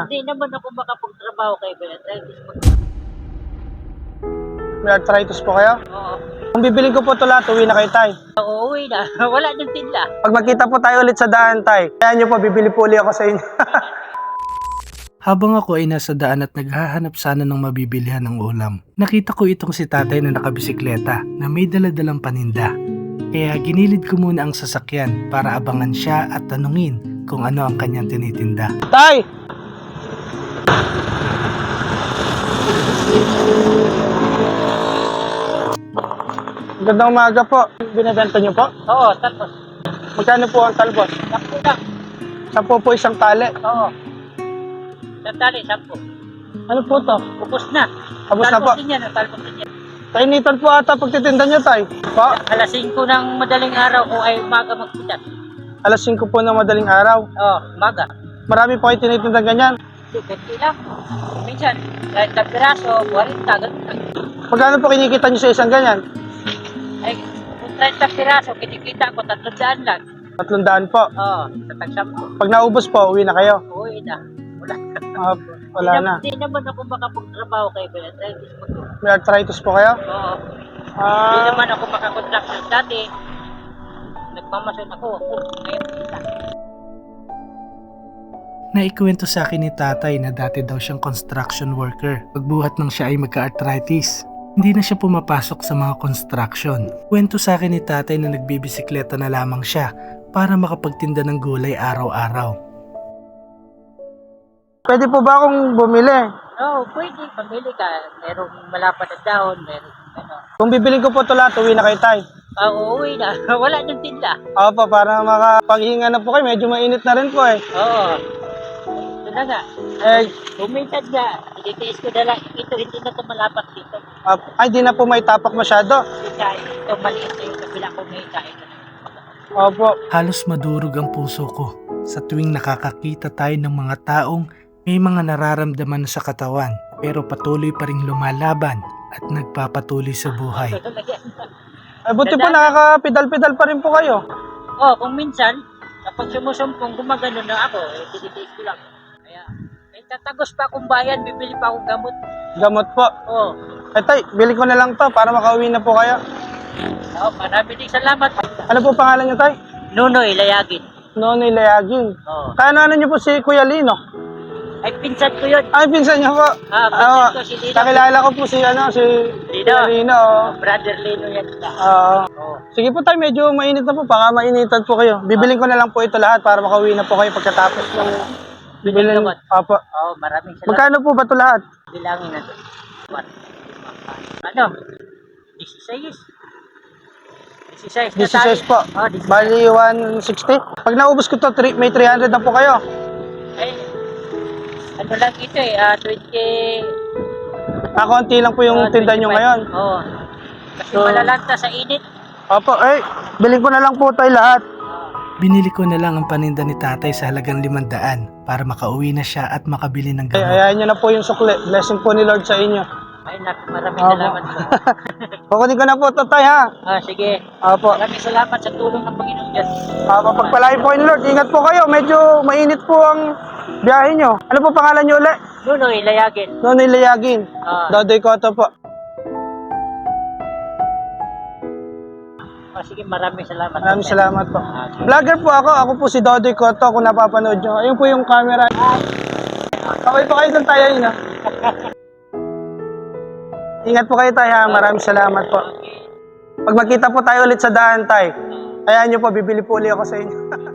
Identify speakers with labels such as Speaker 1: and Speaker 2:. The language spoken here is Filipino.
Speaker 1: Hindi naman ako makapagtrabaho kay arthritis.
Speaker 2: May arthritis po kayo?
Speaker 1: Oo.
Speaker 2: Kung bibiling ko po ito lahat, uwi na kayo, tay.
Speaker 1: Uuwi na. Wala nang tinda.
Speaker 2: Pag magkita po tayo ulit sa daan, tay, kaya nyo po, bibili po ulit ako sa inyo.
Speaker 3: Habang ako ay nasa daan at naghahanap sana ng mabibilihan ng ulam, nakita ko itong si tatay na nakabisikleta na may daladalang paninda. Kaya ginilid ko muna ang sasakyan para abangan siya at tanungin kung ano ang kanyang tinitinda.
Speaker 2: Tay! Magandang umaga po. Binibenta nyo po?
Speaker 1: Oo, tapos.
Speaker 2: Magkano po ang talbos?
Speaker 1: Sampu na.
Speaker 2: 10 po isang tali.
Speaker 1: Oo. Sandali, 10.
Speaker 2: Ano po to?
Speaker 1: Upos na.
Speaker 2: Tapos na po.
Speaker 1: Talbos din yan, talbos din yan.
Speaker 2: Kainitan po ata pagtitinda nyo, tay. Po?
Speaker 1: Alas 5 ng madaling araw kung ay umaga magpitas.
Speaker 2: Alas 5 po ng madaling araw.
Speaker 1: Oo, umaga.
Speaker 2: Marami po kayo tinitinda ganyan.
Speaker 1: Kunti lang. Minsan, kahit na piraso, 40, ganun lang.
Speaker 2: Magkano po kinikita nyo sa isang ganyan?
Speaker 1: Ay, kung 30 piraso, kinikita ko 300 lang.
Speaker 2: 300 po.
Speaker 1: Oo, sa tagsampo.
Speaker 2: Pag naubos po, uwi na kayo.
Speaker 1: Uwi na. Wala.
Speaker 2: Wala na.
Speaker 1: Hindi naman ako makapagtrabaho kay arthritis.
Speaker 2: May arthritis po kayo?
Speaker 1: Oo. Hindi
Speaker 2: Ah,
Speaker 1: naman ako makakontraction dati. Nagmamason ako. Ngayon, kita.
Speaker 3: Naikwento sa akin ni tatay na dati daw siyang construction worker. Pagbuhat nang siya ay magka-arthritis, hindi na siya pumapasok sa mga construction. Kwento sa akin ni tatay na nagbibisikleta na lamang siya para makapagtinda ng gulay araw-araw.
Speaker 2: pwede po ba akong bumili?
Speaker 1: Oo, pwede. Pamili ka. Merong malapad na dahon. Merong ano.
Speaker 2: Kung bibiling ko po ito lahat, uwi na kayo, tay.
Speaker 1: Uuwi na. Wala nang tinda.
Speaker 2: Opo, para makapaghinga na po kayo. Medyo mainit na rin po eh.
Speaker 1: Oo. Ito na nga.
Speaker 2: Eh,
Speaker 1: Buminsan nga. Ititiis ko na lang. Ito, hindi na ito malapat dito.
Speaker 2: ay, di na po may tapak masyado.
Speaker 1: Ito, maliit na yung kabila ko may kain na.
Speaker 2: Opo.
Speaker 3: Halos madurog ang puso ko sa tuwing nakakakita tayo ng mga taong may mga nararamdaman sa katawan pero patuloy pa ring lumalaban at nagpapatuloy sa buhay.
Speaker 2: Ay, buti po nakakapidal-pidal pa rin po kayo.
Speaker 1: Oo, kung minsan, kapag sumusumpong, gumagano na ako. Tinitiis ko lang. Kaya, tatagos pa akong bayan, bibili pa akong gamot.
Speaker 2: Gamot po.
Speaker 1: Oo.
Speaker 2: Eh, tay, bili ko na lang to para makauwi na po kayo.
Speaker 1: Oo, marami din salamat.
Speaker 2: Ano po pangalan niyo, tay?
Speaker 1: Nunoy, layagin.
Speaker 2: Nonoy Layagin.
Speaker 1: Oo.
Speaker 2: Kano niyo po si Kuya Lino?
Speaker 1: Ay, pinsan ko yun.
Speaker 2: Ay, pinsan niyo po.
Speaker 1: Pinsan ko si Lino.
Speaker 2: Kakilala ko po si Kuya Lino. Oh.
Speaker 1: Brother Lino yan. Oo.
Speaker 2: Sige po tayo, medyo mainit na po. Baka mainitan po kayo. Bibiling ko na lang po ito lahat para makauwi na po kayo pagkatapos ng bibilin.
Speaker 1: Gamot.
Speaker 2: Opo.
Speaker 1: Oo, maraming salamat.
Speaker 2: Magkano po ba ito lahat?
Speaker 1: Bilangin natin. Ano? 16. 16 na
Speaker 2: 16 po.
Speaker 1: Oo, 16.
Speaker 2: Bali 160. Pag naubos ko to, may 300 na po kayo.
Speaker 1: Ay, ano lang ito eh, 20...
Speaker 2: Konti lang po yung tinda nyo
Speaker 1: 25.
Speaker 2: ngayon.
Speaker 1: Oo. Kasi malalanta sa init.
Speaker 2: Opo, biling ko na lang po tayo lahat.
Speaker 3: Binili ko na lang ang paninda ni tatay sa halagang 500 para makauwi na siya at makabili ng
Speaker 2: Ay,
Speaker 3: gamot.
Speaker 2: ayahin nyo na po yung sukli. Blessing po ni Lord sa inyo.
Speaker 1: Ay, maraming
Speaker 2: Opo.
Speaker 1: salamat po.
Speaker 2: Kukunin ko na po ito tayo, ha?
Speaker 1: Sige.
Speaker 2: Opo.
Speaker 1: Maraming salamat sa tulong ng Panginoon Diyos.
Speaker 2: Pagpalain po kayo ni Lord. Ingat po kayo. Medyo mainit po ang biyahe nyo. Ano po pangalan nyo ulit?
Speaker 1: Nunoy, layagin.
Speaker 2: Nonoy Layagin. Dodoy Cotto po.
Speaker 1: Sige, maraming salamat.
Speaker 2: Maraming salamat po. Vlogger po ako. Ako po si Dodoy Cotto kung napapanood nyo. Ayun po yung camera. Okay po kayo doon tayo yun, ha? Ingat po kayo tayo, ha? Maraming salamat po. Pag magkita po tayo ulit sa daan tayo, ayahan nyo po, bibili po ulit ako sa inyo.